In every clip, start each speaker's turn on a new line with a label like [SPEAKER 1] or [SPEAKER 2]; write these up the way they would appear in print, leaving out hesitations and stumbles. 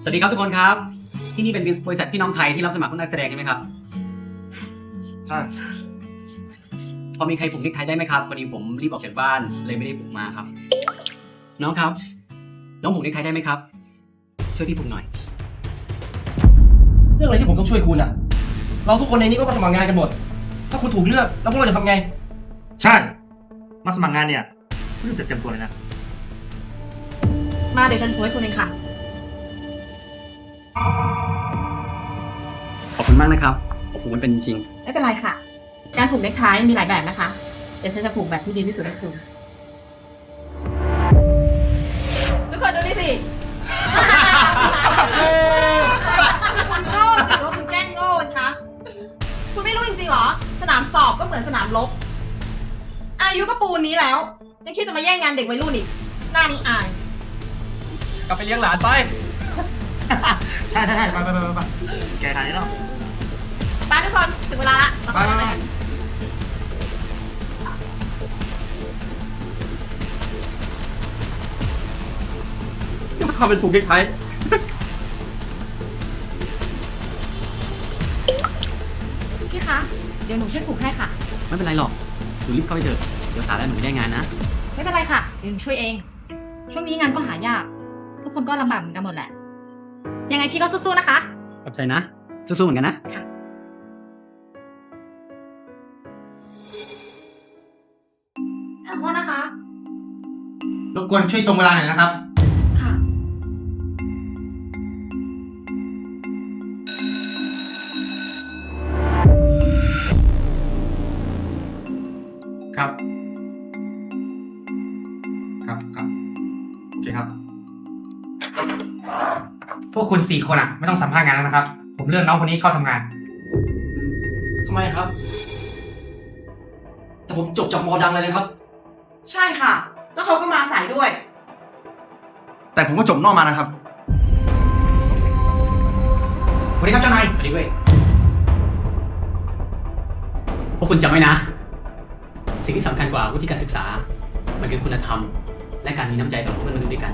[SPEAKER 1] สวัสดีครับทุกคนครับที่นี่เป็นบริษัทพี่น้องไทยที่รับสมัครนักแสดงใช่ไหมครับ
[SPEAKER 2] ใช่
[SPEAKER 1] พอมีใครผูกเนคไทได้ไหมครับวันนี้ผมรีบออกจากบ้านเลยไม่ได้ผูกมาครับน้องครับน้องผูกเนคไทได้ไหมครับช่วยพี่ผูกหน่อย
[SPEAKER 2] เรื่องอะไรที่ผมต้องช่วยคุณอ่ะเราทุกคนในนี้ก็มาสมัครงานกันหมดถ้าคุณถูกเลือกแล้วพวกเราจะทำไงใช่มาสมัครงานเนี่ยคุณต้องจัดเตรียมตัวเลยนะ
[SPEAKER 3] มาเดี๋ยวฉันโพสต์คุณเองค่ะ
[SPEAKER 1] ขอบคุณมากนะครับโอ้โหมันเป็นจริง
[SPEAKER 3] ไม่เป็นไรค่ะการผูกเนคไทมีหลายแบบนะคะเดี๋ยวฉันจะผูกแบบที่ดีที่สุดให้คุณทุกคนดูนี่สิคุณโง่จริงว่าคุณแกล้งโง่คะคุณไม่รู้จริงๆเหรอสนามสอบก็เหมือนสนามรบอายุก็ปูนนี้แล้วยังคิดจะมาแย่งงานเด็กวัยรุ่นอีกหน้านี้อาย
[SPEAKER 2] กลับไปเลี้ยงหลานไป ใช่ไปแกทานนี่เนาะ
[SPEAKER 3] ไปทุกคนถึงเวลาละ
[SPEAKER 2] ไปทำเป็นผูกเนคไท
[SPEAKER 3] พี่คะเดี๋ยวหนูช่วยผูกให้ค่ะ
[SPEAKER 1] ไม่เป็นไรหรอกหนูรีบเข้าไปเถอะเดี๋ยวสายแล้วหนูไม่ได้งานนะ
[SPEAKER 3] ไม่เป็นไรค่ะเดี๋ยวหนูช่วยเองช่วงนี้งานก็หายากทุกคนก็ลำบากเหมือนกันหมดแหละยังไงพี่ก็สู้ๆนะคะ
[SPEAKER 1] ขอบใจนะสู้ๆเหมือนกันนะ
[SPEAKER 3] ค่ะขอโทษนะคะ
[SPEAKER 2] รบกวนช่วยตรงเวลาหน่อยนะครับ
[SPEAKER 3] ค่ะ
[SPEAKER 2] ครับโอเคครับพวกคุณ4 คนอ่ะไม่ต้องสัมภาษณ์งานแล้วนะครับผมเลือกน้องคนนี้เข้าทำงานทำไมครับแต่ผมจบจากมอดังเลยนะครับ
[SPEAKER 3] ใช่ค่ะแล้วเขาก็มาสายด้วย
[SPEAKER 2] แต่ผมก็จบนอกมานะครับสวัสดีครับเจ้านายสวัสดีเว้ย
[SPEAKER 1] พวกคุณจำไว้นะสิ่งที่สำคัญกว่าวุฒิการศึกษามันคือคุณธรรมและการมีน้ำใจต่อเพื่อนมนุษย์ด้วยกัน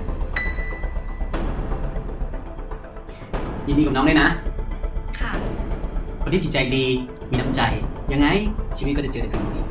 [SPEAKER 1] ยินดีกับน้องด้วยนะ
[SPEAKER 3] ค่ะ
[SPEAKER 1] คนที่จิตใจดีมีน้ำใจยังไงชีวิตก็จะเจอในสิ่งดี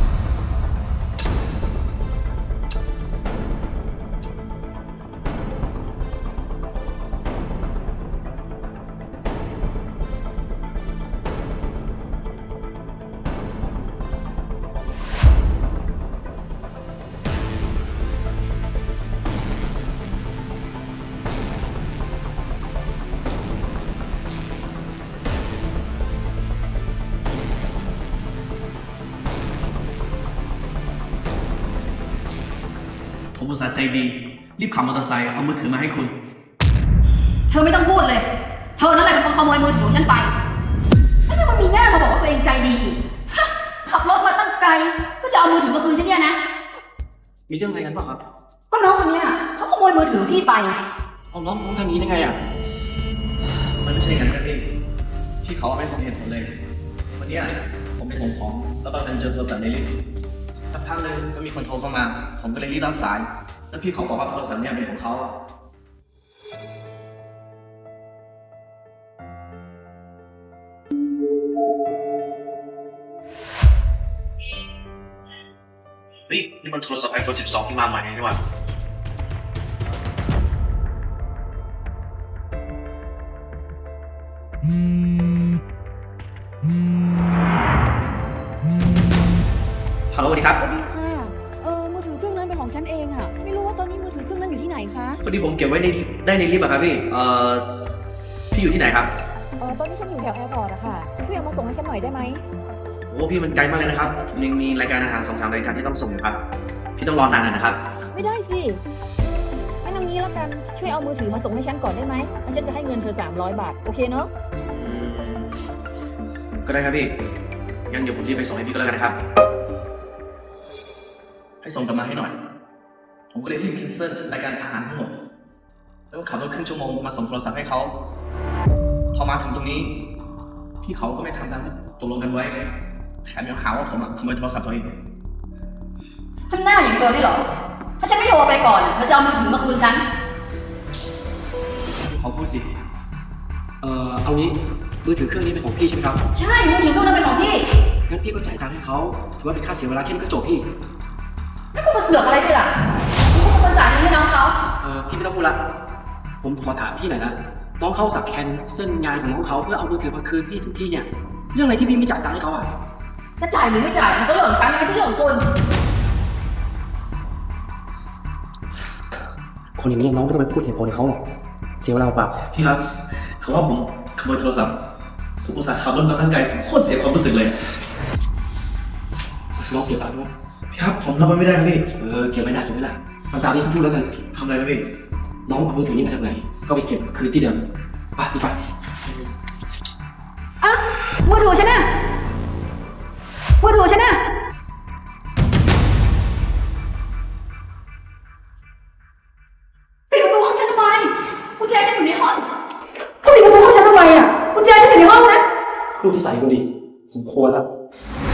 [SPEAKER 4] ผมอุตส่าห์ใจดีรีบขับมอเตอร์ไซค์เอามือถือมาให้คุณ
[SPEAKER 5] เธอไม่ต้องพูดเลย เธอนั่นแหละเป็นคนขโมยมือถือของฉันไปแล้วเธอก็มีหน้ามาบอกว่าตัวเองใจดีฮะขับรถมาตั้งไกลก็จะเอามือถือมาคืนฉันเนี่ยนะ
[SPEAKER 2] มีเรื่องอะไรกันบ้างครับ
[SPEAKER 5] ก็น้องคนเนี้ยเขาขโมยมือถือพี่ไป
[SPEAKER 2] เอาน้องทำนี้ได้ไงอ่ะ
[SPEAKER 4] มันไม่ใช่กันนะพี่เขาไม่สมเหตุผลเลยวันนี้ผมไปส่งของแล้วบังเอิญเจอโทรศัพท์ในลิฟต์สักพักนึงก็มีคนโทรเข้ามาผมก็เลยรีบรับสายแล้วพี่เขาบอกว่าโทรศัพท์เนี่ยเป็นของเขาเฮ้ยนี่มันโทรศัพท์ iPhone 12 ที่มาใหม่นี่หว่าฮัลโหลสวัสดีครับ
[SPEAKER 6] สวัสดีค่ะมือถือเครื่องนั้นเป็นของฉันเองอะไม่รู้ว่าตอนนี้มือถือเครื่องนั้นอยู่ที่ไหนคะ
[SPEAKER 4] พอดีผมเก็บไว้ในลิฟต์อะครับพี่พี่อยู่ที่ไหนครับ
[SPEAKER 6] ตอนนี้ฉันอยู่แถวแอร์พอร์ตอะค่ะช่วยเอามาส่งให้ฉันหน่อยได้ไหม
[SPEAKER 4] โอ้พี่มันไกลมากเลยนะครับผมยังมีรายการอาหาร2-3 รายการที่ต้องส่งครับพี่ต้องรอนานหน่อยนะครับ
[SPEAKER 6] ไม่ได้สิงั้นเอางี้แล้วกันช่วยเอามือถือมาส่งให้ฉันก่อนได้ไหมแล้วฉันจะให้เงินเธอ300 บาทโอเคเนาะ
[SPEAKER 4] ก็ได้ครับพี่งั้นเดี๋ยวผมรีบไปส่งให้พี่ก็แล้วกันนะครับให้ส่งกลับมาให้หน่อยผมก็เลยรีบแคนเซิลรายการอาหารทั้งหมดแล้วก็ขับรถครึ่งชั่วโมงมาส่งโทรศัพท์ให้เขาพอมาถึงตรงนี้พี่เขาก็ไม่ทำตามที่ตกลงกันไว้แถมยังหาว่าผมขโมยโทรศัพท์ตัวเอง
[SPEAKER 5] ทำหน้าอย่างเธอได้เหรอ ถ้าฉันไม่โทรไปก่อนเธอจะเอามือถือมาคืนฉัน
[SPEAKER 4] ผขอพูดสิ
[SPEAKER 2] เอางี้มือถือเครื่องนี้เป็นของพี่ใช่ไหมครับ
[SPEAKER 5] ใช่ มือถือเครื่องนั้นเป็นของพี่
[SPEAKER 2] งั้นพี่ก็จ่ายตังค์ให้เขาถือว่าเป็นค่าเสียเวลาแค่นี้ก็จบพี่
[SPEAKER 5] แล้วคุณมาเสือกอะไรด้วยล่ะคุณเป็นคนจ่ายเงินให้น้องเขา
[SPEAKER 2] พี่ไม่ต้องพูดละผมขอถามพี่หน่อยนะน้องเขาสักแคนเส้นงานของน้องเขาเพื่อเอามือถือมาคืนพี่ถึงที่เนี่ยเรื่องอะไรที่พี่ไม่จ่ายตังค์ให้เขาอ่ะ
[SPEAKER 5] จะจ่ายหรือไม่จ่ายมันก็เรื่องของฉันไม่ใช่เรื่องของคุณ
[SPEAKER 2] คนอย่างนี้น้องไม่ต้องไปพูดเหตุผลให้เขาหรอกเสียเวลาเปล่า
[SPEAKER 4] พี่ครับเขาว่าผมขโมยโทรศัพท์ผมอุตส่าห์ขับรถมาตั้งไกลผมโคตรเสียความรู้สึกเลย
[SPEAKER 2] น้องเก็บตังค์ด้วย
[SPEAKER 4] พี่ครับผมรับมันไม่ได้ครับพี่
[SPEAKER 2] เก็บไว้นะเก็บไว้นะมันตามที่เขาพูดแล้วกัน
[SPEAKER 4] ทำอะไรครับพี่
[SPEAKER 2] น้องเอามือถือนี้มาจากไหนก็ไปเก็บคืนที่เดิมไปดีกว่า
[SPEAKER 5] อ่ะ มือถือฉันน่ะ มือถือฉันน่ะ ปิดประตูห้องฉันทำไมกุญแจฉันอยู่ในห้องคุณปิดประตูห้องฉันทำไมอ่ะกุญแจฉันอยู่ในห้องนะ
[SPEAKER 2] ลูกที่ใส่คนดีสมควรแล้ว
[SPEAKER 5] ค